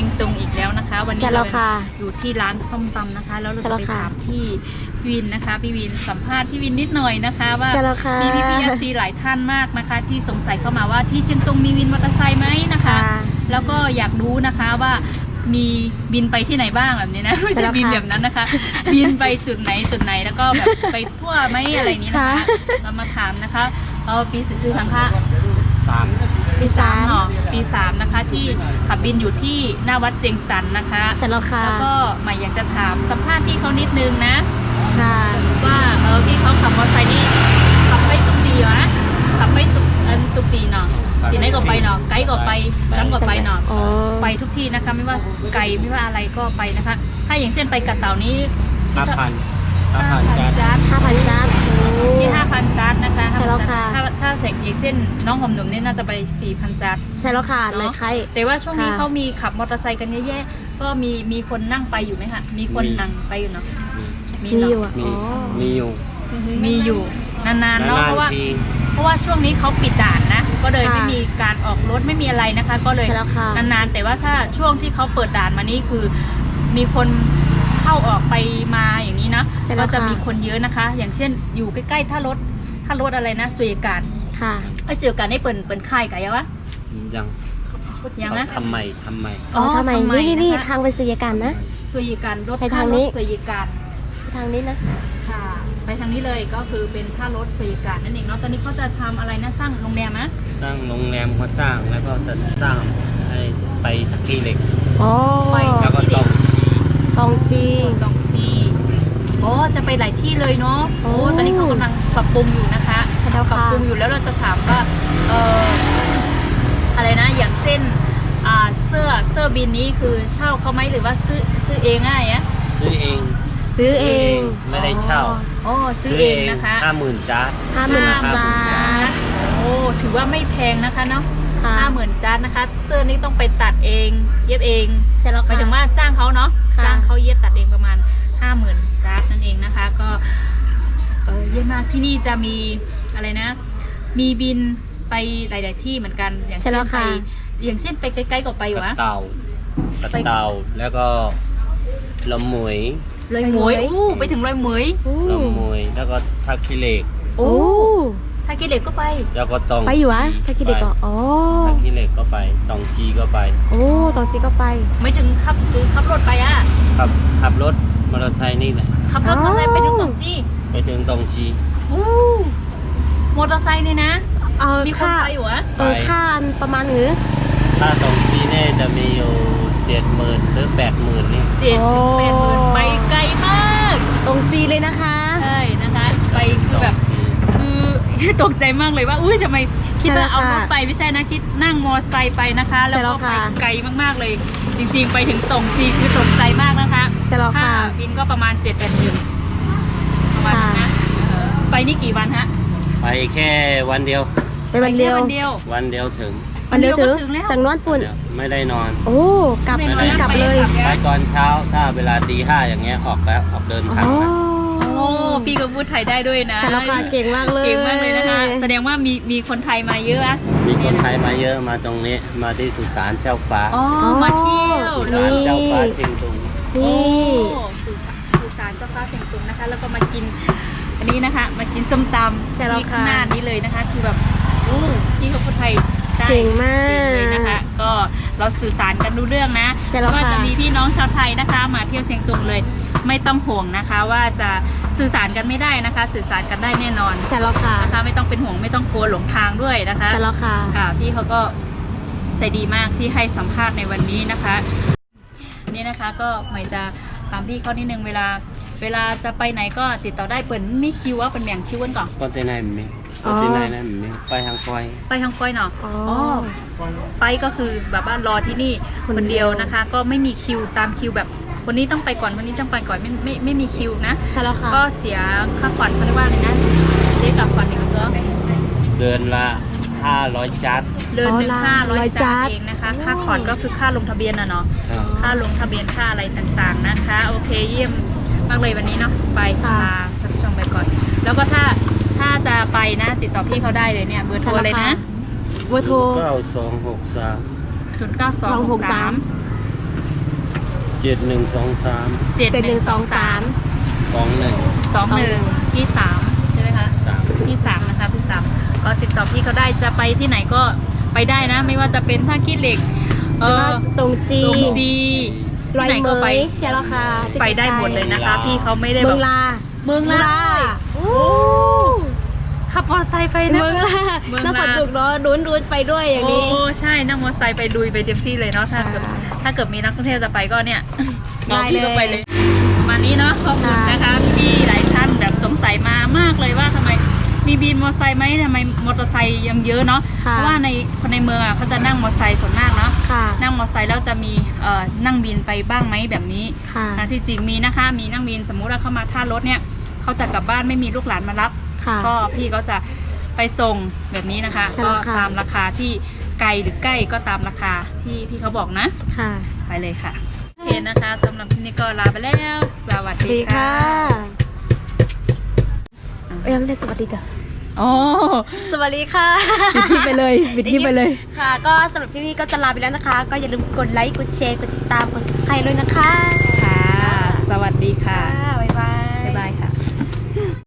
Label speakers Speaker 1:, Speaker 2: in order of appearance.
Speaker 1: ตุงอีกแล้วนะคะวันนี้เราอยู่ที่ร้านส้มตำนะคะแล้วเราจะไปถามพี่วินนะคะพี่วินสัมภาษณ์พี่วินนิดหน่อยนะคะว่ามีพี่หลายท่านมากนะคะที่สงสัยเข้ามาว่าที่เชียงตุงมีวินมอเตอร์ไซค์ไหมนะคะแล้วก็อยากรู้นะคะว่ามีบินไปที่ไหนบ้างแบบนี้นะไม่ใช่บินแบบนั้นนะคะบินไปจุดไหนแล้วก็แบบไปทั่วไหมอะไรนี้นะคะเรามาถามนะคะปีสื่อสังฆะปี 3เนาะปี 3นะคะที่ขับบินอยู่ที่หน้าวัดเจงจันนะคะแล้วก็หมายอยากจะถามสัมภาษณ์พี่เขานิดนึงนะว่าพี่เขาขับมอเตอร์ไซค์นี่ขับไปตุกตีเหรอนะขับไปตุกตีเนาะที่ไหนก็ไปเนาะไกลก็ไปซ้ำก็ไปเนาะไปทุกที่นะคะไม่ว่าไกลไม่ว่าอะไรก็ไปนะคะถ้าอย่างเช่นไปกระเต่านี้5,000 จานที่ 5,000 จานนะคะถ้าเสกอย่างเช่นน้องหอมหนุ่มนี่น่าจะไป 4,000 จาน
Speaker 2: ใช่แล้วค่ะเลยใคร
Speaker 1: แต่ว่าช่วงนี้เขามีขับมอเตอร์ไซค์กันเยอะแยะก็มีคนนั่งไปอยู่ไหมคะมีคนนั่งไปอยู่เนาะมีอยู่นานๆเนาะเพราะว่าช่วงนี้เขาปิดด่านนะก็เลยไม่มีการออกรถไม่มีอะไรนะคะก็เลยนานๆแต่ว่าถ้าช่วงที่เขาเปิดด่านมานี่คือมีคนเข้าออกไปมาอย่างนี้นะก็จะมีคนเยอะนะคะอย่างเช่นอยู่ใกล้ๆถ้ารถอะไรนะสุยการ
Speaker 2: ค่ะ
Speaker 1: สุยการได้เปิดค่ายกันยังวะยังนะ
Speaker 2: ทำไมนี่ทางไปสุยการนะ
Speaker 1: สุยการรถทางนี้สุยการ
Speaker 2: ทางนี้นะ
Speaker 1: ค่ะไปทางนี้เลยก็คือเป็นท่ารถสุยการนั่นเองเนาะตอนนี้เขาจะทำอะไรนะสร้างโรงแรมนะ
Speaker 3: สร้างโรงแรมเขาสร้างแล้วก็จะสร้างให้ไปตะกี้เหล็กแล้วก็
Speaker 2: ตองจี
Speaker 1: จะไปหลายที่เลยเนาะตอนนี้เขากำลังปรับปรุงอยู่นะคะปรับปรุงอยู่แล้วเราจะถามว่าอะไรนะอย่างเช่นเสื้อบินนี้คือเช่าเขาไหมหรือว่าซื้อเองง่ายอะ
Speaker 3: ซื้อเองไม่ได้เช่า
Speaker 1: ซื้อเองนะคะ
Speaker 3: 50,000 จาน
Speaker 1: ถือว่าไม่แพงนะคะเนาะ50,000 จานนะคะเสื้อนี้ต้องไปตัดเองเย็บเองหมายถึงว่าจ้างเขาเนาะจ้างเขาเย็บตัดเองประมาณ50,000 จานนั่นเองนะคะก็เยอะมากที่นี่จะมีอะไรนะมีบินไปหลายๆที่เหมือนกันอย่างเช่นไปใกล้ๆก็ไปวะ
Speaker 3: เต่าแล้วก็ลำหมวย
Speaker 1: ไปถึงลำหมวย
Speaker 3: แล้วก็ท่าขี้เหล็ก
Speaker 1: ท่าขี้เหล็กก็ไป
Speaker 3: แล้วก็ตอง
Speaker 2: ไปอยู่วะท่าขี้เหล็กก็
Speaker 3: ท่าขี้เหล็กก็ไปตองจีก็ไป
Speaker 2: ตองจีก็ไป
Speaker 1: ไม่ถึงขับรถไปอ่ะ
Speaker 3: ขับรถมอเตอร์ไซค์นี่แหละ
Speaker 1: ขับรถมอเตอร์ไซค์ไปถึงตองจีมอเตอร์ไซค์นี่นะมีคนไปอยู่อะ
Speaker 2: ค่าประมาณหรือ
Speaker 3: ถ้าตรงที่นี่จะมีอยู่70,000 หรือ 80,000นี่
Speaker 1: 70,000 ไปไกลมาก
Speaker 2: ตรงจีเลยนะคะ
Speaker 1: ใช่นะคะไปคือแบบคือตกใจมากเลยว่าทำไมคิดว่าเอารถไปไม่ใช่นะคิดนั่งมอเตอร์ไซค์ไปนะคะแล้วก็ไปไกลมากๆเลยจริงๆไปถึงตรงจีคือตกใจมากนะคะค่าบินก็ประมาณ 7-8 หมื่นประมาณนั้นนะไปนี่กี่วันฮะ
Speaker 3: ไปแค่วันเดียว
Speaker 2: วันเดียว
Speaker 3: ถึง
Speaker 2: จากนอนปุ่น
Speaker 3: ไม่ได้นอน
Speaker 2: กลับเลย
Speaker 3: ไปตอนเช้าถ้าเวลาตี 5อย่างเงี้ยออกเดินทาง
Speaker 1: พี่ก็พูดไทยได้ด้วยนะ
Speaker 2: เก่งมากเลย
Speaker 1: นะคะแสดงว่ามีคนไทยมาเยอะอะ
Speaker 3: มีคนไทยมาเยอะมาตรงนี้มาที่สุสานเจ้าฟ้า
Speaker 1: มาเที่ยว
Speaker 3: สุสานเจ้าฟ้าเชียงตุง
Speaker 1: สุสานเจ้าฟ้าเชียงตุงนะคะแล้วก็มากินอันนี้นะคะมากินส้มตำที่ข้างหน้านี้เลยนะคะคือแบบพี่เขาคนไทย
Speaker 2: เก่งมาก
Speaker 1: เลยนะคะก็เราสื่อสารกันรู้เรื่องนะก็จะมีพี่น้องชาวไทยนะคะมาเที่ยวเชียงตุงเลยไม่ต้องห่วงนะคะว่าจะสื่อสารกันไม่ได้นะคะสื่อสารกันได้แน่นอน
Speaker 2: ใช่แล้วค่ะ
Speaker 1: นะคะไม่ต้องเป็นห่วงไม่ต้องกลัวหลงทางด้วยนะคะ
Speaker 2: ใช่แล้วค่ะ
Speaker 1: พี่เขาก็ใจดีมากที่ให้สัมภาษณ์ในวันนี้นะคะนี่นะคะก็หมายจะถามพี่เขานิดนึงเวลาจะไปไหนก็ติดต่อได้เปิดไม่คิวว่าเป็นแบ่งคิวกันก่อน
Speaker 3: ก็ที่ไหนมีที่ไหนนั่นมีไปทางคอย
Speaker 1: เนาะไปก็คือแบบว่ารอที่นี่คนเดียวนะคะก็ไม่มีคิวตามคิวแบบคนนี้ต้องไปก่อนคนนี้ต้องไปก่อนไม่มีคิวนะก็เสียค่าขวัญเขาเรียกว่าอะไรนะเสียกับขวัญนี่ก็
Speaker 3: เดือนละ500 จาน
Speaker 1: เดือนหนึ่ง500 จานเองนะคะค่าขวัญก็คือค่าลงทะเบียนเนาะค่าลงทะเบียนค่าอะไรต่างๆนะคะโอเคเยี่ยมมากเลยวันนี้เนาะไปค่ะท่านผู้ชมไปก่อนแล้วก็ถ้าจะไปนะติดต่อพี่เขาได้เลยเนี่ยเบอร์โทรเลยนะ
Speaker 2: เบอร์โทร
Speaker 3: 9263
Speaker 1: 092630
Speaker 3: 7123
Speaker 2: 7123
Speaker 3: 21
Speaker 1: ที่3ใช่ไหมคะ
Speaker 3: 3
Speaker 1: ที่3นะคะที่3ก็ติดต่อพี่เขาได้จะไปที่ไหนก็ไปได้นะ ไม่ว่าจะเป็นท่าขี้เหล็ก
Speaker 2: ตรงจี
Speaker 1: ตรงจีที่ไหนก็ไป
Speaker 2: ใช่แล้วค่ะ
Speaker 1: ไปได้หมดเลยนะคะพี่เขาไม่ได้แบบ
Speaker 2: เมืองลา
Speaker 1: เมืองลาโอ้ขับมอเตอร์ไซค์ไปนะ
Speaker 2: เมืองลา
Speaker 1: เมือง
Speaker 2: น่า
Speaker 1: ลา
Speaker 2: สนุกเนาะรุ้นไปด้วยอย่างนี้
Speaker 1: โอ้ใช่นั่งมอเตอร์ไซค์ไปลุยไปเต็มที่เลยเนาะถ้าเกิดมีนักท่องเที่ยวจะไปก็เนี่ยมองพี่ก็ไปเลยประมาณนี้เนาะขอบคุณนะคะพี่หลายท่านแบบสงสัยมามากเลยว่าทำไมมีบินมอเตอร์ไซค์ไหมทำไมมอเตอร์ไซค์ยังเยอะเนาะเพราะว่าในคนในเมืองเขาจะนั่งมอเตอร์ไซค์ส่วนมากเนาะนั่งมอเตอร์ไซค์แล้วจะมีนั่งบินไปบ้างไหมแบบนี้นะที่จริงมีนะคะมีนั่งบินสมมุติว่าเข้ามาท่ารถเนี่ยเขาจะกลับบ้านไม่มีลูกหลานมารับก็พี่ก็จะไปส่งแบบนี้นะคะก็ตามราคาที่ไกลหรือใกล้ก็ตามราคาที่พี่เขาบอกนะไปเลยค่ะโอเคนะคะสำหรับที่นี้ก็ลาไปแล้วสวัสดีค่ะ
Speaker 2: ยังไม่ได้สวัสดีเด้อ
Speaker 1: โอ้
Speaker 2: สวัสดีค่ะ
Speaker 1: ปิดที่ไปเลยปิดที่ไปเลย
Speaker 2: ค่ะ ก็สำหรับที่นี่ก็จะลาไปแล้วนะคะ ก็อย่าลืมกดไลค์กดแชร์กดติดตามกด subscribe ด้วยนะคะ
Speaker 1: ค่ะ สวัสดีค่ะ
Speaker 2: บ๊ายบาย
Speaker 1: บ๊ายบายค่ะ